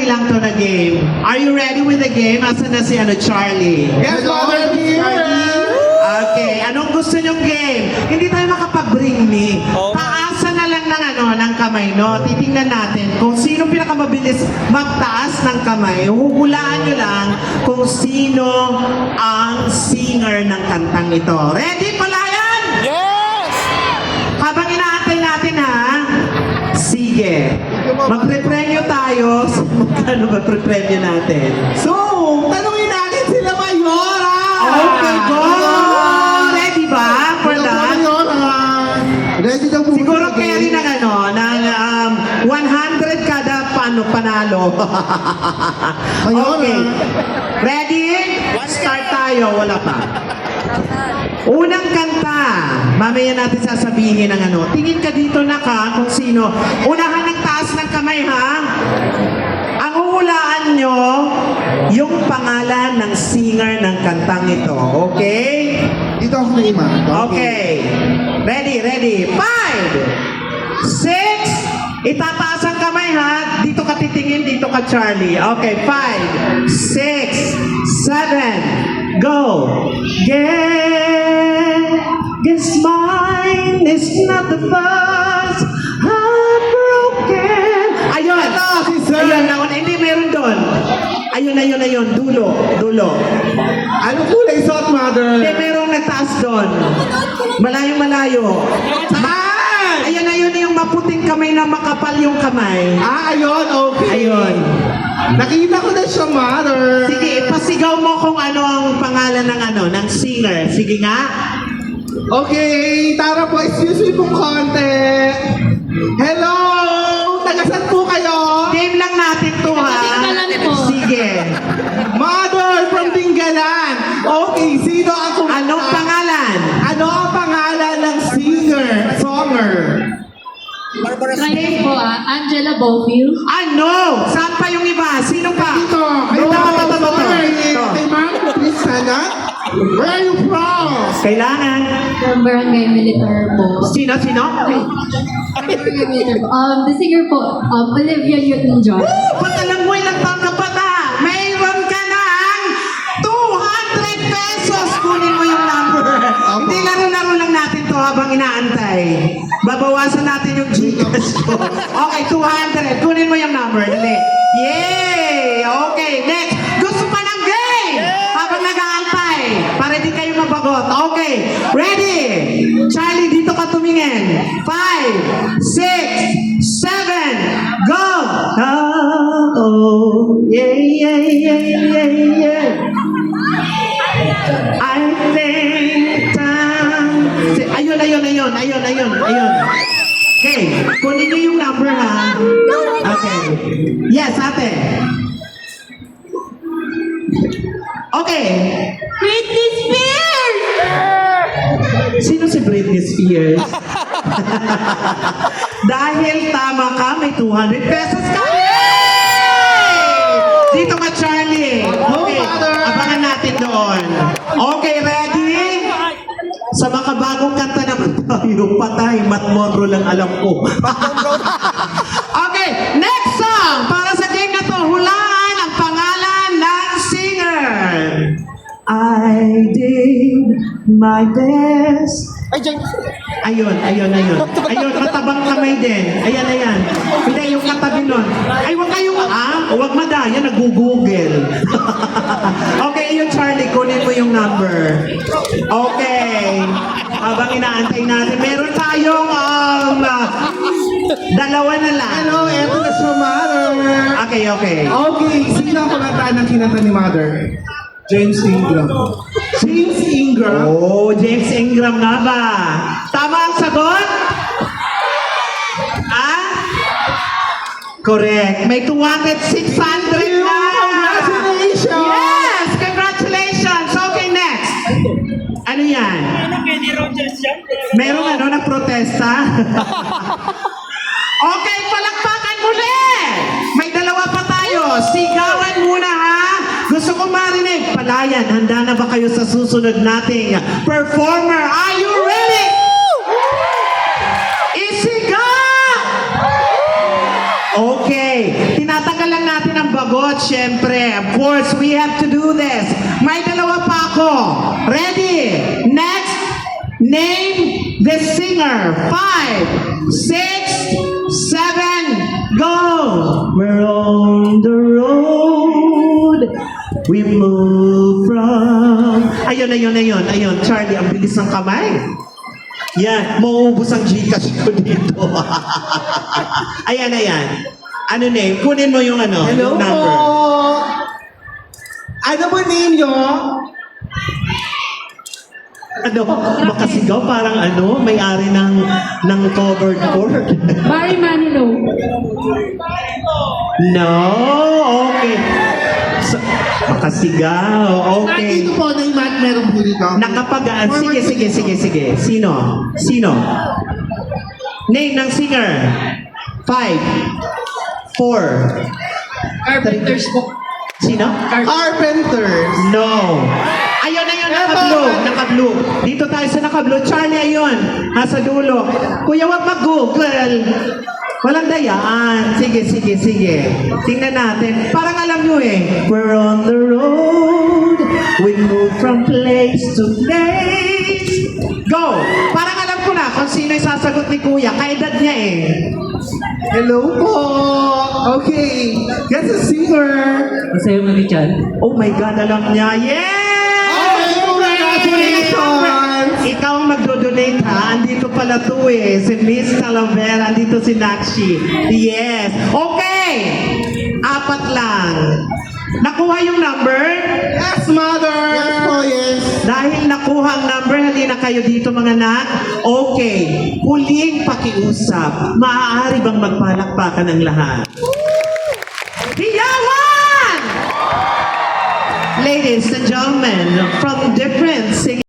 lang to na game. Are you ready with the game? Asan na si Charlie? Yes, Mother here! Okay, anong gusto nyong game? Hindi tayo makapag-bring me. Taasan na lang ng kamay, no? Titingnan natin kung sino pinakamabilis magtaas ng kamay. Huhulaan nyo lang kung sino ang singer ng kantang ito. Ready, palayan? Yes! Habang inaantay natin, ha? Sige. Magre-premyo tayo. Magkano ba pre-premyo natin? So, tanungin natin sila Mayora! Okay, go! Ready ba? For that? Ready daw po. Siguro carry ng ng 100 kada panalo. Okay. Ready? Start tayo. Wala pa. Unang kanta. Mamaya natin sasabihin ng Tingin ka dito kung sino. Unahan ng taas ng kamay, ha? Ang huhulaan nyo, yung pangalan ng singer ng kantang ito. Okay? Dito ako na ima. Okay. Ready. 5, 6, itataas ang kamay, ha? Dito ka titingin, dito ka Charlie. Okay, 5, 6, 7, go! Guess mine is not the first heartbroken. Ayun! Ayun, nauna. Hindi, meron doon. Ayun. Dulo. Anong kulay suot, Mother? Hindi, merong nagtaas doon. Malayo. Saan? Ayun yung maputing kamay na makapal yung kamay. Ayun, okay. Ayun. Nakita ko na siya, Mother. Sige, pasigaw mo kung ano ang pangalan ng singer. Sige nga. Okay, tara po, excuse me pong konti. Hello! Tagasan po kayo? Game lang natin to, ha? Tinggalan po. Sige. Mother from Tinggalan. Okay, sino ang Anong pangalan? Ano ang pangalan ng songer? Try po Angela Bofield. Ano? Saan pa yung iba? Sino pa? Dito, hello, sorry. Kay Ma'am Cristana. Where are you from? Kailangan. From Barangay Militar po. Sino? Barangay Militar po. The singer po, Olivia Newton-John. Ba't alam mo ilang taon ka pa ta? Mayroon ka ng 200 pesos. Kunin mo yung number. Hindi laro-laro lang natin to habang inaantay. Babawasan natin yung Gcash ko. Okay, 200. Kunin mo yung number. Dali. Yay! Okay, next. Gusto pa ng game? Habang nag-aantay. Para di kayo mabagot. Okay, ready? Charlie, dito ka tumingin. 5, 6, 7, go! Oh, yeah. I think time... Ayun. Okay, kunin niyo yung number, ha? Okay. Yes, ate. Okay. Britney Spears! Sino si Britney Spears? Dahil tama ka, may 200 pesos ka! Yay! Dito ka, Charlie. Okay, abangan natin doon. Okay, ready? Sa makabagong kanta naman tayo, patay, Matt Monroe lang alam ko. Okay, next song! Para sa game na to, hulaan ang pangalan ng singer. I did my best. Ayun. Ayun, matabang kamay din. Ayan. Hindi, yung katabi nun. Ay, huwag kayong, huwag madaya, nag-google. Okay, yun, Charlie, kunin mo yung number. Okay. Habang inaantay natin, meron tayong, dalawa na lang. Hello, eto na siya, Mother. Okay. Okay, sino ang kumanta ng kinanta ni Mother? James Ingram. James Ingram? Oh, James Ingram nga ba? Tama ang sagot? Correct. May 200, 600 na! Congratulations! Yes! Congratulations! Okay, next. Ano yan? Merong na protesta? Okay, palakpakan muli! May dalawa pa tayo. Sigawan muna, ha? Gusto ko marinig. Palayan, handa na ba kayo sa susunod nating performer? Are you ready? Isiga! Okay. Tinatanggal lang natin ang sumagot, syempre. Of course, we have to do this. May dalawa pa ako. Ready? Next, name the singer. 5, 6, 7, go! We're on the road. We move from... Ayun. Charlie, ang bilis ng kamay. Yan, mauubos ang Gcash ko dito. Ayan. Ano name? Kunin mo yung ano, Hello yung po! number. Ano po name nyo? Ano, makasigaw parang ano, may-ari ng covered court. Barry Manilow. No, okay. So, makasigaw, okay. Dito po na yung mat meron po dito. Nakapagaan. Sige. Sino? Name ng singer. 5, 4. Carpenters po. Sino? Carpenters. No. Ayun, naka-blue. Dito tayo sa naka-blue. Charlie, ayun. Nasa dulo. Kuya, wag mag-google. Walang dayaan. Sige. Tingnan natin. Parang alam nyo eh. We're on the road. We move from place to place. Go! Parang alam ko na kung sino yung sasagot ni Kuya. Kaedad niya eh. Hello po! Okay, guess a singer! Masaya mo ni Chan. Oh my God, alam niya. Yes! Okay, congratulations! Ikaw ang magdo-donate ha. Andito pala to eh. Si Miss Talavera. Andito si Nakshi. Yes. Okay. 4 lang. Nakuha yung number? Yes, mother! Yes po, yes! Dahil nakuha ang number, halina kayo dito mga anak. Okay. Huling pakiusap. Maaari bang magpalakpakan ang lahat? Hiyawan! Ladies and gentlemen, from different singing